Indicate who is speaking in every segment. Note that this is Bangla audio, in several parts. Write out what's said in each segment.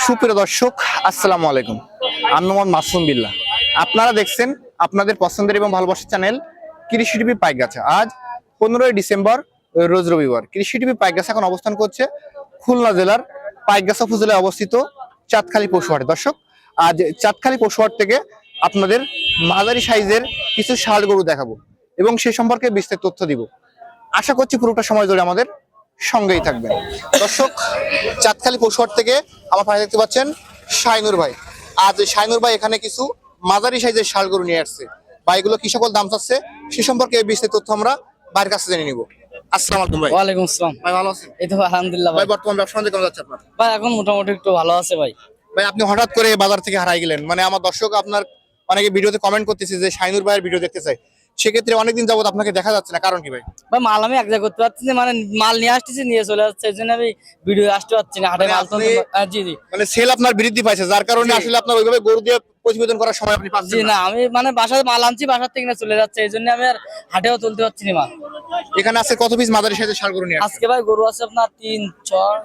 Speaker 1: সুপ্রিয় দর্শক, আসসালামু আলাইকুম। আমি মোহাম্মদ মাসুম বিল্লাহ। আপনারা দেখছেন আপনাদের পছন্দের এবং ভালোবাসার চ্যানেল কৃষি টিভি পাইকগাছা। আজ 15ই ডিসেম্বর, রোজ রবিবার। কৃষি টিভি পাইকগাছা এখন অবস্থান করছে খুলনা জেলার পাইকগাছা উপজেলায় অবস্থিত চাঁদখালী পশুহাটে। দর্শক, আজ চাঁদখালী পশুহাট থেকে আপনাদের মাঝারি সাইজের কিছু ষাঁড় গরু দেখাবো এবং সে সম্পর্কে বিস্তারিত তথ্য দিব। আশা করছি পুরোটা সময় ধরে আমাদের সঙ্গেই থাকবেন। দর্শক, চাঁদখালী পশুহাট থেকে আমার পাশে দেখতে পাচ্ছেন শাইনুর ভাই। আজ শাইনুর ভাই এখানে কিছু মাঝারি সাইজের ষাঁড় গরু নিয়ে আসছে। ভাই, এগুলো কি সকল দাম চাচ্ছে সে সম্পর্কে বিস্তারিত তথ্য আমরা ভাইয়ের কাছে জেনে নিব। আসসালামু আলাইকুম ভাই।
Speaker 2: ওয়ালাইকুম আসসালাম।
Speaker 1: ভাই ভালো আছেন?
Speaker 2: এই তো আলহামদুলিল্লাহ
Speaker 1: ভাই,
Speaker 2: ভাই।
Speaker 1: বর্তমান ব্যবসা বাণিজ্য কেমন যাচ্ছে আপনার?
Speaker 2: ভাই এখন মোটামুটি একটু ভালো আছে ভাই।
Speaker 1: ভাই, আপনি হঠাৎ করে বাজার থেকে হারাই গেলেন, মানে আমার দর্শক আপনার অনেকে ভিডিওতে কমেন্ট করতেছে যে শাইনুর ভাইয়ের ভিডিও দেখতে চাই। সেক্ষেত্রে অনেকদিন যাবত আপনাকে দেখা যাচ্ছে না, কারণ কি ভাই?
Speaker 2: ভাই মাল আমি এক জায়গায় করতে পারছি না, মানে মাল নিয়ে আসতেছি নিয়ে চলে যাচ্ছে, এই জন্য আমি ভিডিও আসতে পারছি না। হাটে
Speaker 1: মানে
Speaker 2: মাল তো
Speaker 1: আপনি-
Speaker 2: জি জি
Speaker 1: মানে সেল আপনার বৃদ্ধি পাইছে, যার কারণে
Speaker 2: জি।
Speaker 1: আসলে আপনার ওইভাবে গরু দিয়ে প্রতিবেদন করার সময় আপনি
Speaker 2: জি
Speaker 1: পাচ্ছেন না।
Speaker 2: না, আমি মানে বাসায় মাল আনছি, বাসার থেকে না চলে যাচ্ছে, এই জন্য আমি আর হাটেও তুলতে পারছি না মাল।
Speaker 1: এখানে আছে কত পিস মাদারি সাইজের ষাঁড় গরু নিয়ে আসছেন?
Speaker 2: আজকে ভাই গরু আছে আপনার 3 6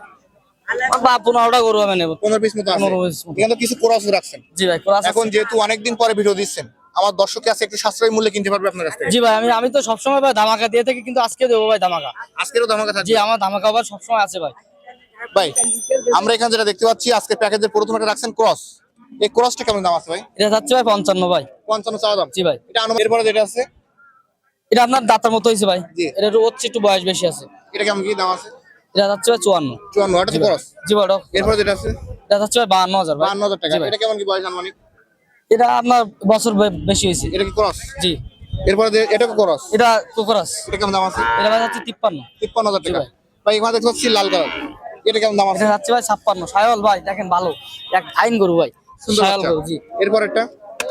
Speaker 2: বা 15টা গরু আমি নেবো।
Speaker 1: 15 পিস মতো আছে।
Speaker 2: 15 piece মতো।
Speaker 1: এখানে তো কিছু ক্রস রাখছেন।
Speaker 2: জি ভাই ক্রস
Speaker 1: এখন যেহেতু অনেকদিন পরে ভিডিও দিচ্ছেন, আমার দর্শককে আছে একটু সাশ্রয়ী মূল্যে কিনতে পারবে আপনার কাছ থেকে।
Speaker 2: জি ভাই, আমি তো সবসময় ভাই ধামাকা দিয়ে থাকি, কিন্তু আজকে দেবো ভাই ধামাকা।
Speaker 1: আজকেরও ধামাকা
Speaker 2: জি,
Speaker 1: থাকবে।
Speaker 2: আমার ধামাকা আবার সবসময় আছে ভাই।
Speaker 1: ভাই, আমরা এখানে যেটা দেখতে পাচ্ছি আজকে প্যাকেজের প্রথম একটা রাখছেন ক্রস। এই ক্রসটা কেমন দাম আছে ভাই?
Speaker 2: এটা যাচ্ছে ভাই 55 ভাই।
Speaker 1: 55 চাওয়া দাম।
Speaker 2: জি ভাই।
Speaker 1: এটা এরপরে যেটা আছে
Speaker 2: এটা আপনার দাঁতার মতো হয়েছে ভাই।
Speaker 1: জি।
Speaker 2: এটা একটু বয়স বেশি আছে।
Speaker 1: এটা কেমন কি দাম আছে?
Speaker 2: এটা যাচ্ছে ভাই 54।
Speaker 1: 54, এটা তো ক্রস।
Speaker 2: জি ভাই।
Speaker 1: এরপরে যেটা আছে
Speaker 2: এটা যাচ্ছে ভাই 52,000 ভাই।
Speaker 1: 52,000 টাকা।
Speaker 2: জি ভাই।
Speaker 1: এটা কেমন কি বয়স আনুমানিক?
Speaker 2: এটা আপনার বছর বেশি হয়েছে।
Speaker 1: এটা কি ক্রস?
Speaker 2: জি।
Speaker 1: এরপরে এটা ক্রস।
Speaker 2: এটা কোকরাস।
Speaker 1: এটা কেমন দাম আছে?
Speaker 2: এটা ভাই যাচ্ছে 53।
Speaker 1: 53,000
Speaker 2: জি
Speaker 1: টাকা।
Speaker 2: ভাই।
Speaker 1: ভাই, এখানে দেখতে পাচ্ছি লাল কালার। এটা কেমন দাম আছে?
Speaker 2: এটা যাচ্ছে ভাই 56। সায়ল ভাই দেখেন ভালো। এক আইন গরু ভাই।
Speaker 1: সুন্দর
Speaker 2: সায়ল
Speaker 1: বাচ্চা।
Speaker 2: গরু জি।
Speaker 1: এরপর একটা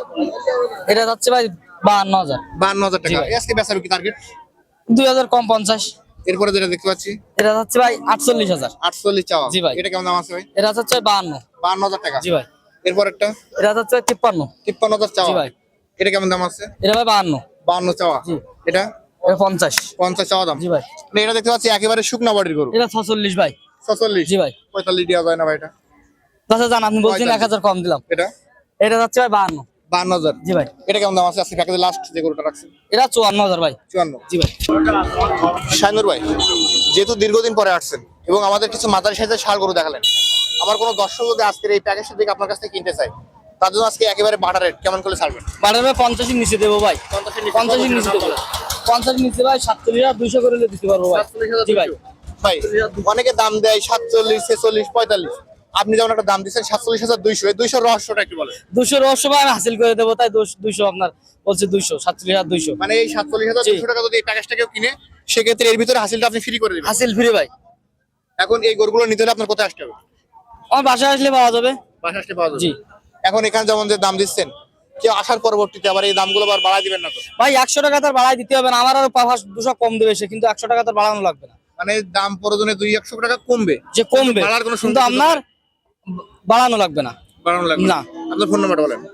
Speaker 2: এটা যাচ্ছে ভাই 52,000।
Speaker 1: 52,000
Speaker 2: জি
Speaker 1: টাকা।
Speaker 2: ভাই।
Speaker 1: আজকে বেচাবে কি টার্গেট?
Speaker 2: 2000 কম 50।
Speaker 1: এরপরে যেটা দেখতে পাচ্ছি
Speaker 2: এটা যাচ্ছে ভাই 48,000।
Speaker 1: 48 চাওয়া।
Speaker 2: জি ভাই।
Speaker 1: এটা কেমন দাম আছে ভাই?
Speaker 2: এটা যাচ্ছে ভাই 52।
Speaker 1: 52,000 টাকা।
Speaker 2: জি ভাই।
Speaker 1: এরপর একটা
Speaker 2: এটা যাচ্ছে ভাই 53।
Speaker 1: 53,000 চাওয়া।
Speaker 2: জি ভাই।
Speaker 1: এটা কেমন দাম আছে?
Speaker 2: এটা ভাই 52।
Speaker 1: 52 চাওয়া।
Speaker 2: জি।
Speaker 1: এটা
Speaker 2: এটা 50।
Speaker 1: 50 চাওয়া দাম।
Speaker 2: জি ভাই।
Speaker 1: মানে এটা দেখতে পাচ্ছি একেবারে শুকনা বডির গরু।
Speaker 2: এটা 46 ভাই।
Speaker 1: 46।
Speaker 2: জি ভাই।
Speaker 1: 45 দেওয়া যায় না ভাই এটা?
Speaker 2: আচ্ছা জান, আপনি বলছেন
Speaker 1: 45
Speaker 2: 1000 কম দিলাম।
Speaker 1: এটা
Speaker 2: এটা যাচ্ছে ভাই 52।
Speaker 1: 52,000।
Speaker 2: জি ভাই।
Speaker 1: এটা কেমন দাম আছে আজকে প্যাকেজে লাস্ট যে গরুটা রাখছেন?
Speaker 2: এটা 54,000 ভাই।
Speaker 1: 54।
Speaker 2: জি ভাই।
Speaker 1: শাইনুর ভাই, যেহেতু দীর্ঘদিন পরে আসছেন এবং আমাদের কিছু মাদারি সাইজের ষাঁড় গরু দেখালেন, আমার কোনো দর্শক যদি আজকের এই প্যাকেজটা থেকে আপনার কাছ থেকে কিনতে চাই, তার জন্য আজকে একেবারে বাটার রেট কেমন করে ছাড়বেন?
Speaker 2: বাড়ার ভাই 50 এর নিচে দেবো ভাই। 50 এর নিচে দেবো। 50 এর নিচে ভাই 47,200 করে দিতে পারবো ভাই। জি ভাই।
Speaker 1: ভাই, অনেকে দাম দেয় 47, 46, 45। আপনি যেমন একটা দাম দিচ্ছেন 47,200, এই 200 রহস্যটা একটু বলেন।
Speaker 2: 200 রহস্য ভাই আমি হাসিল করে দেবো, তাই 200 আপনার বলছে 200 47,200
Speaker 1: মানে এই 47,200 টাকা যদি এই প্যাকেজটা কেউ কিনে, সেক্ষেত্রে এর ভিতরে হাসিলটা আপনি ফ্রি করে দিবেন।
Speaker 2: হাসিল ফ্রি ভাই।
Speaker 1: এখন এই গরুগুলো নিতে হলে আপনার কোথায় আসতে হবে?
Speaker 2: আমার বাসায় আসলে পাওয়া যাবে।
Speaker 1: বাসা আসতে পাওয়া যাবে।
Speaker 2: জি।
Speaker 1: এখন এখানে যেমন যে দাম দিচ্ছেন, কেউ আসার পরবর্তীতে আবার এই দামগুলো আবার বাড়ায় দিবেন না তো?
Speaker 2: ভাই 100 টাকা তার বাড়াই দিতে হবে না, আমার আরো 200 কম দেবে সে, কিন্তু 100 টাকা তার বাড়ানো লাগবে না।
Speaker 1: মানে দাম প্রয়োজনে 200-100 টাকা কমবে,
Speaker 2: যে কমবে
Speaker 1: বাড়ার কোনো
Speaker 2: কিন্তু
Speaker 1: সুযোগ
Speaker 2: আপনার বাড়ানো লাগবে না।
Speaker 1: বাড়ানো লাগবে
Speaker 2: না।
Speaker 1: আপনার ফোন নাম্বারটা বলেন।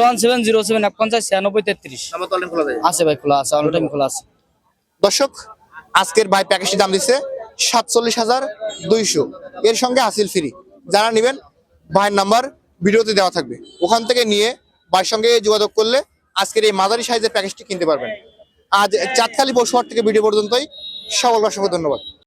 Speaker 2: 01707
Speaker 1: নাম্বার তো অনলাইন খোলা যায়।
Speaker 2: আছে ভাই, খোলা আছে, অল টাইম খোলা আছে।
Speaker 1: দর্শক, আজকের ভাই প্যাকেজটির দাম দিচ্ছে 47,200, এর সঙ্গে হাসিল ফ্রি। যারা নেবেন ভাইয়ের নাম্বার ভিডিওতে দেওয়া থাকবে, ওখান থেকে নিয়ে ভাইয়ের সঙ্গে যোগাযোগ করলে আজকের এই মাঝারি সাইজের প্যাকেজটি কিনতে পারবেন। আজ চাঁদখালী পশুহাট থেকে ভিডিও পর্যন্তই। সকলকে অসংখ্য ধন্যবাদ।